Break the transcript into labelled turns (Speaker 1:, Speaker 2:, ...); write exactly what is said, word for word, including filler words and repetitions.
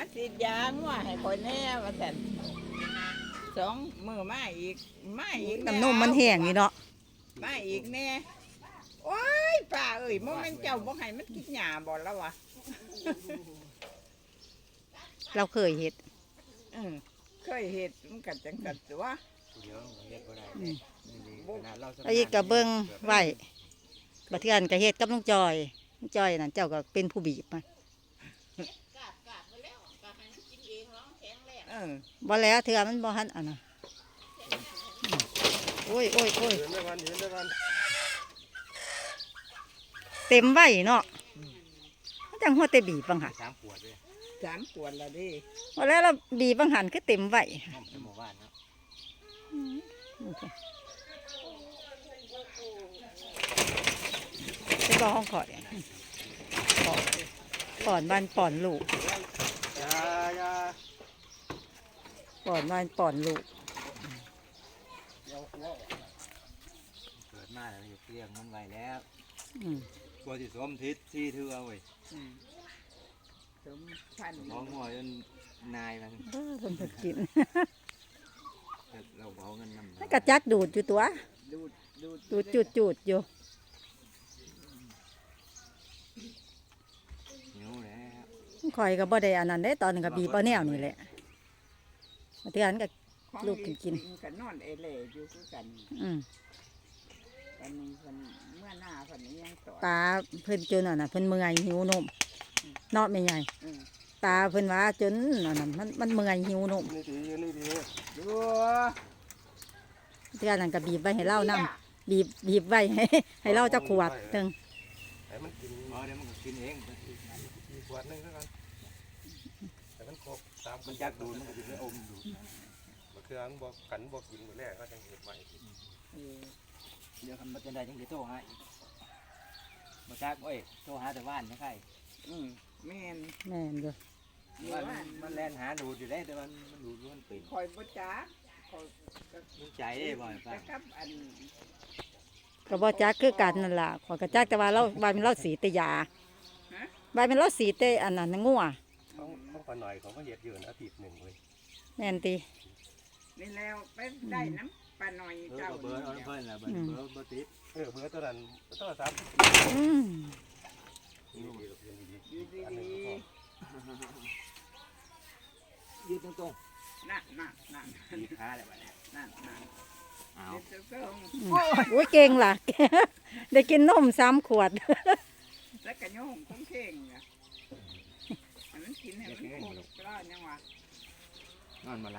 Speaker 1: ฉีดยางัวให้คนแน่ว่าสั่นสองมือมาอีกมาอีก
Speaker 2: น้ำนมมันแห้งนี่เนาะ
Speaker 1: มาอีกแน่โอ้ยป้าเอ้ยโมเมนเจ้าบ่ให้มันกินหญ้าบ่แล้ววะ
Speaker 2: เราเคยเฮ็ด
Speaker 1: อืมเคยเห็ดมันกัดจังกัดตัว
Speaker 3: เดี๋ยวเฮ็ดบ่ได้
Speaker 2: อืม
Speaker 3: ขนาดเราสำ
Speaker 2: ไอ้กระเบิงไว้บัดเทื่อนก็เฮ็ดกับลุงจอยลุงจอยนั่นเจ้าก็เป็นผู้บีบมา
Speaker 1: เออ
Speaker 2: บ่แล้วเทื่อมันบ่ทันอันน่ะโอ้ยโอ้ยโอ้ย
Speaker 4: เห็นได้วันเห็นได้วัน
Speaker 2: เต็มไว้เนาะมันจังหัวแต่บีบบังหัน
Speaker 3: สามขวดเลย
Speaker 1: สามขวดละดิ
Speaker 2: บ่แล้วเราบีบบังหันคือเต็มไว้
Speaker 3: น้ำสมบ้านเนาะ
Speaker 2: เป็นบ่ห้องขอดป่อนบ้านป่อนลูก
Speaker 4: ยาอยา
Speaker 2: ป่อนบ้านป่อนลูก
Speaker 4: เดี๋ยวหัวออก
Speaker 3: เกิดมาแล้วอยู่เลี้ยงมันไว้แล้ว
Speaker 2: อืม
Speaker 3: กลัวสิสมทิศที่เทื่อเว้ย
Speaker 1: อืมสมพันธุ์
Speaker 3: ท้องหัวจนนายมัน
Speaker 2: เออคนจะกิน
Speaker 3: เราเอาเงินนำ
Speaker 2: มันกระจักดูดอยู่ตัว
Speaker 1: ดูดดูด
Speaker 2: ดูดจุดจุดอยู่
Speaker 3: หิวแล้ว
Speaker 2: ข่อยก็บ่ได้อันนั้นได้ตอนนึงก็บีบเอาแนวนี่แหละมาเทื่อนก็
Speaker 1: ของ
Speaker 2: ลูกกินกิน
Speaker 1: กันนอนเอเล่อยู่คือกัน
Speaker 2: อืม
Speaker 1: วันนี้เพิ่นเมื่อหน้าเพิ่นยังต่อ
Speaker 2: ตาเพิ่นจนอันน่ะเพิ่นเมื่อยหิวนมเนาะไม่ใหญ่
Speaker 1: อืม
Speaker 2: ตาเพิ่นว่าจนอันนั้นมันมันเมื่อยหิวนม
Speaker 4: นี่ดีนี่ดี
Speaker 1: ดู
Speaker 2: เทื่อนั้นก็บีบไว้ให้เล่านํบีบบีบไว้ให้ให้เล่าจักขวดถึง
Speaker 4: แต่มันกิน
Speaker 3: หมอเดี๋ยวมันก็กินเอง
Speaker 4: อีกขวดหนึงแล้วกันแต่มันครบสาม
Speaker 3: มันจักดูดมันก็สิไปอมดูด
Speaker 4: มะเขือมันบอกกันบอกกินหมดแรกก็จังเห็ดใหม่
Speaker 1: เออ
Speaker 3: เดี๋ยวคันบ่จะได้จังสิโทรหาอีกบ่จักโอ้ยโทรหาแต่บ้านนะใคร
Speaker 1: อืมแม่น
Speaker 2: แม่นอยู่
Speaker 3: มันมันแล่นหาดูดอยู่ได้แต่มันมันดูดมันเป็น
Speaker 1: คอยบ่จักคอยก็
Speaker 3: มันใจได้บ่อยไป
Speaker 1: แต่กับอัน
Speaker 2: ก็บ่จักคือกันนั่นล่ะขอยก็จักแต่ว่าเราบายเป็นเราสีแตยาบายเป็นเราสีแต่อันนั้นงัว
Speaker 4: เขาเขาขอหน่อยเขาก็เห็ดอยู่อาทิตย์หนึ่งเลย
Speaker 2: แม่นติ
Speaker 1: นี่แล้วไปได้น้ำปลาหน่อย
Speaker 3: เออ
Speaker 1: เจ้า
Speaker 3: เบอร์เอาเพิ่นล่ะเบอร์เบอร์บ่ติด
Speaker 4: เออเบอร์ตัวนั้นตัวสามสิบ
Speaker 2: อืม
Speaker 4: ดีดีดีดี
Speaker 1: อยู่ดี
Speaker 4: อันหนึ่ง
Speaker 1: ดี
Speaker 4: ก็
Speaker 3: ยืดตรง
Speaker 1: นั่นนั่นนั่น
Speaker 3: ๆมีขาแล้วบัดนี้
Speaker 1: นั่นนั่น
Speaker 3: เอา
Speaker 1: เดี๋ยวจะส่ง
Speaker 2: อืมโอ้ยเก่งล่ะ ได้กินนมสามขวด
Speaker 1: แล้วก็โยงคงเข่งเนี่ยให้มันกินให้มันครบแล้วยังวะ
Speaker 3: นอนมา